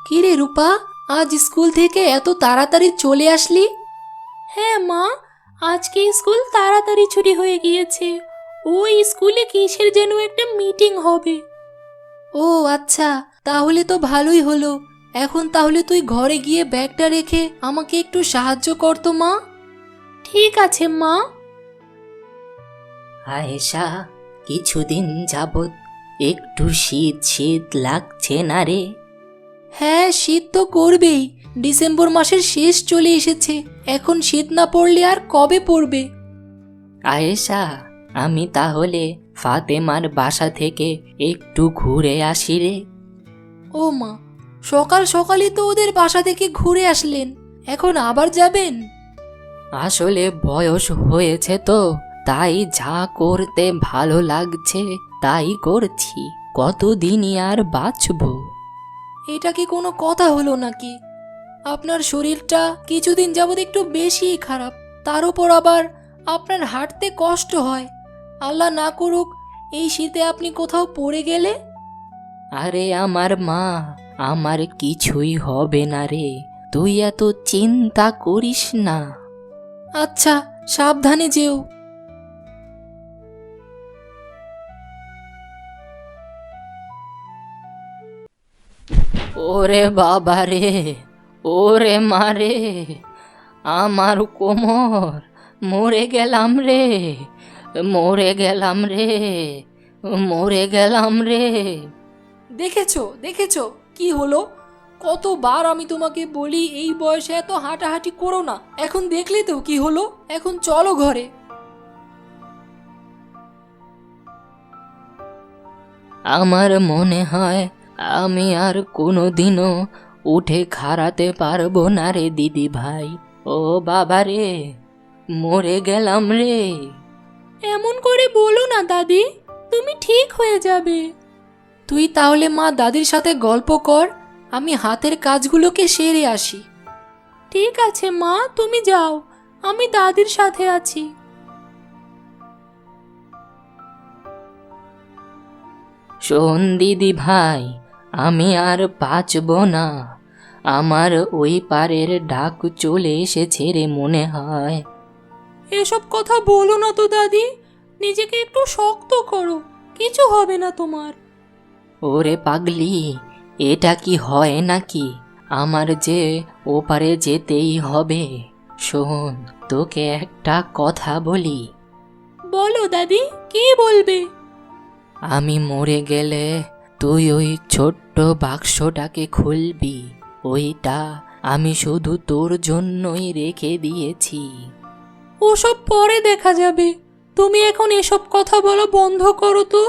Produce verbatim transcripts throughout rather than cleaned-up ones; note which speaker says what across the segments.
Speaker 1: কিরে রূপা, আজ স্কুল থেকে এত তাড়াতাড়ি চলে আসলি?
Speaker 2: হ্যাঁ মা, আজকে স্কুল তাড়াতাড়ি ছুটি হয়ে গিয়েছে। ওই স্কুলে কিসের যেন একটা মিটিং হবে।
Speaker 1: ও আচ্ছা, তাহলে তো ভালোই হলো। এখন তাহলে তুই ঘরে গিয়ে ব্যাগটা রেখে আমাকে একটু সাহায্য কর তো মা।
Speaker 2: ঠিক আছে মা।
Speaker 3: আয়েশা, কিছুদিন যাবৎ একটু শীত শীত লাগছে না রে?
Speaker 1: হ্যাঁ, শীত তো করবেই। ডিসেম্বর মাসের শেষ চলে এসেছে, এখন শীত না পড়লে আর কবে পড়বে?
Speaker 3: আয়েশা, আমি তাহলে ফাতেমার বাসা থেকে একটু ঘুরে আসি রে।
Speaker 1: ও মা, সকাল সকালই তো ওদের বাসা থেকে ঘুরে আসলেন, এখন আবার যাবেন?
Speaker 3: আসলে বয়স হয়েছে তো, তাই যা করতে ভালো লাগছে তাই করছি। কতদিনই আর বাঁচবো?
Speaker 1: এটা কি কোনো কথা হলো নাকি? আপনার শরীরটা কিছুদিন যাবৎ একটু বেশিই খারাপ, তার উপর আবার আপনার হাঁটতে কষ্ট হয়। আল্লাহ না করুক এই শীতে আপনি কোথাও পড়ে গেলে।
Speaker 3: আরে আমার মা, আমার কিছুই হবে না রে, তুই এত চিন্তা করিস না।
Speaker 1: আচ্ছা, সাবধানে যেও।
Speaker 3: ওরে বাবা রে, ওরে মারে, আমার কোমর, মরে গেলাম রে, মরে গেলাম রে, মরে গেলাম রে।
Speaker 1: দেখেছো দেখেছো কি হলো? কতবার আমি তোমাকে বলি এই বয়সে এত হাঁটাহাঁটি করো না, এখন দেখলে তো কি হলো। এখন চলো ঘরে।
Speaker 3: আমার মনে হয় আমি আর কোনোদিনও উঠে খাড়াতে পারবো না রে দিদি ভাই। ও বাবা রে, মরে গেলাম রে।
Speaker 2: এমন করে বলো না দাদি, তুমি ঠিক হয়ে যাবে।
Speaker 1: তুই তাহলে মা দাদির সাথে গল্প কর, আমি হাতের কাজগুলোকে সেরে আসি।
Speaker 2: ঠিক আছে মা, তুমি যাও, আমি দাদির সাথে আছি।
Speaker 3: শোন দিদি ভাই, আমি আর বাঁচবো না। আমার ওই পারের ডাক চলে এসেছে রে মনে হয়।
Speaker 2: এসব কথা বলো না তো দাদি, নিজেকে একটু শক্ত করো, কিছু হবে না তোমার।
Speaker 3: ওরে পাগলি, এটা কি হয় নাকি? আমার যে ওপারে যেতেই হবে। শোন, তোকে একটা কথা বলি।
Speaker 2: বলো দাদি, কি বলবে?
Speaker 3: আমি মরে গেলে তুই ওই ছোট্ট বাক্সটাকে খুলবি। ওইটা আমি শুধু তোর জন্যই রেখে দিয়েছি।
Speaker 2: ওসব পরে দেখা যাবে, তুমি এখন এসব কথা বলা বন্ধ করো তো।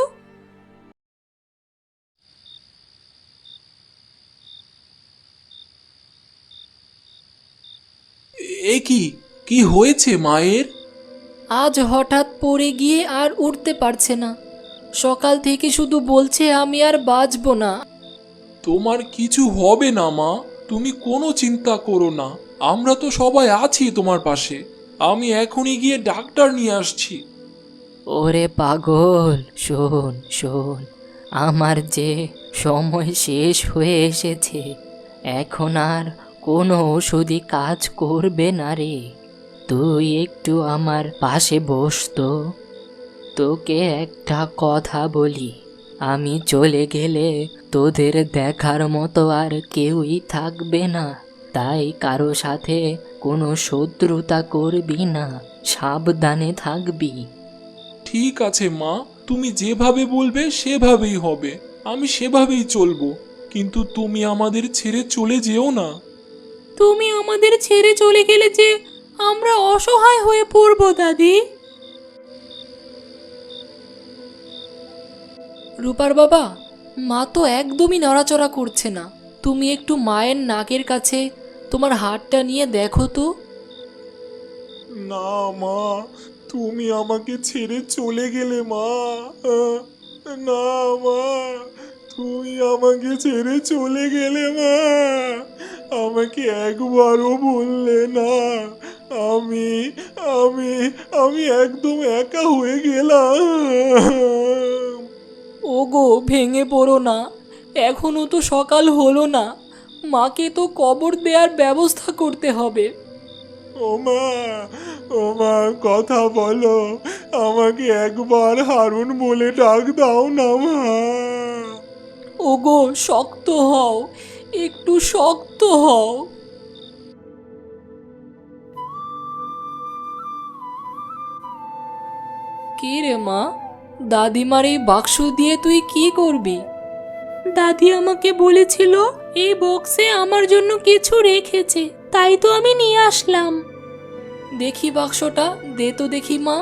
Speaker 4: এ কি কি হয়েছে মায়ের?
Speaker 1: আজ হঠাৎ পড়ে গিয়ে আর উঠতে পারছে না। সকাল থেকে শুধু বলছে আমি আর বাঁচবো না।
Speaker 4: তোমার কিছু হবে না মা, তুমি কোনো চিন্তা করো না, আমরা তো সবাই আছি তোমার পাশে। আমি এখনই গিয়ে ডাক্তার নিয়ে আসছি।
Speaker 3: ওরে পাগল, শোন শোন, আমার যে সময় শেষ হয়ে এসেছে, এখন আর কোনো ওষুধই কাজ করবে না রে। তুই একটু আমার পাশে বস তো। তোকে একটা কথা বলি, আমি চলে গেলে তোদের দেখার মতো আর কেউই থাকবে না। তাই কারো সাথে কোনো শত্রুতা করবি না, সাবধানে থাকবি।
Speaker 4: ঠিক আছে মা, তুমি যেভাবে বলবে সেভাবেই হবে, আমি সেভাবেই চলবো। কিন্তু তুমি আমাদের ছেড়ে চলে যেও না।
Speaker 2: তুমি আমাদের ছেড়ে চলে গেলে যে আমরা অসহায় হয়ে পড়বো দাদি।
Speaker 1: রূপার বাবা, মা তো একদমই নড়াচড়া করছে না। তুমি একটু মায়ের নাকের কাছে তোমার হাতটা নিয়ে দেখো তো।
Speaker 4: না মা, তুমি আমাকে ছেড়ে চলে গেলে মা। আহ, না মা, তুমি আমাকে ছেড়ে চলে গেলে মা। আমাকে একবারও বললে না। আমি আমি আমি একদম একা হয়ে গেলাম।
Speaker 1: ওগো, ভেঙে পড়ো না, এখনো তো সকাল হলো না। মাকে তো কবর দেওয়ার ব্যবস্থা করতে হবে।
Speaker 4: ও মা, ও মা, কথা বলো, আমাকে একবার হারুন বলে ডাক দাও না মা।
Speaker 1: ওগো শক্ত হও, একটু শক্ত হও। কি রে মা, দাদিমার এই বাক্স দিয়ে তুই কি করবি?
Speaker 2: দাদি আমাকে বলেছিল এই বক্সে আমার জন্য কিছু রেখেছে, তাই তো আমি নিয়ে আসলাম।
Speaker 1: দেখি বাক্সটা, দে তো দেখি মা।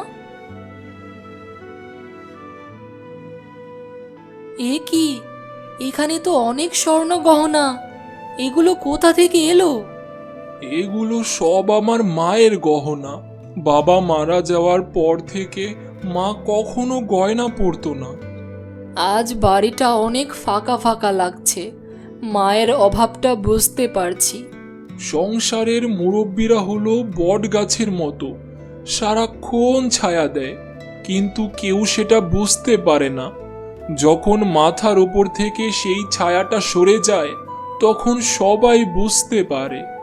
Speaker 1: এ কি, এখানে তো অনেক স্বর্ণ গহনা, এগুলো কোথা থেকে এলো?
Speaker 4: এগুলো সব আমার মায়ের গহনা। বাবা মারা যাওয়ার পর থেকে মা কখনো গয়না পরতো না।
Speaker 1: আজ বাড়িটা অনেক ফাঁকা ফাঁকা লাগছে, মায়ের অভাবটা বুঝতে পারছি।
Speaker 4: সংসারের মুরব্বীরা হলো বট গাছের মতো, সারাক্ষণ ছায়া দেয়, কিন্তু কেউ সেটা বুঝতে পারে না। যখন মাথার ওপর থেকে সেই ছায়াটা সরে যায়, তখন সবাই বুঝতে পারে।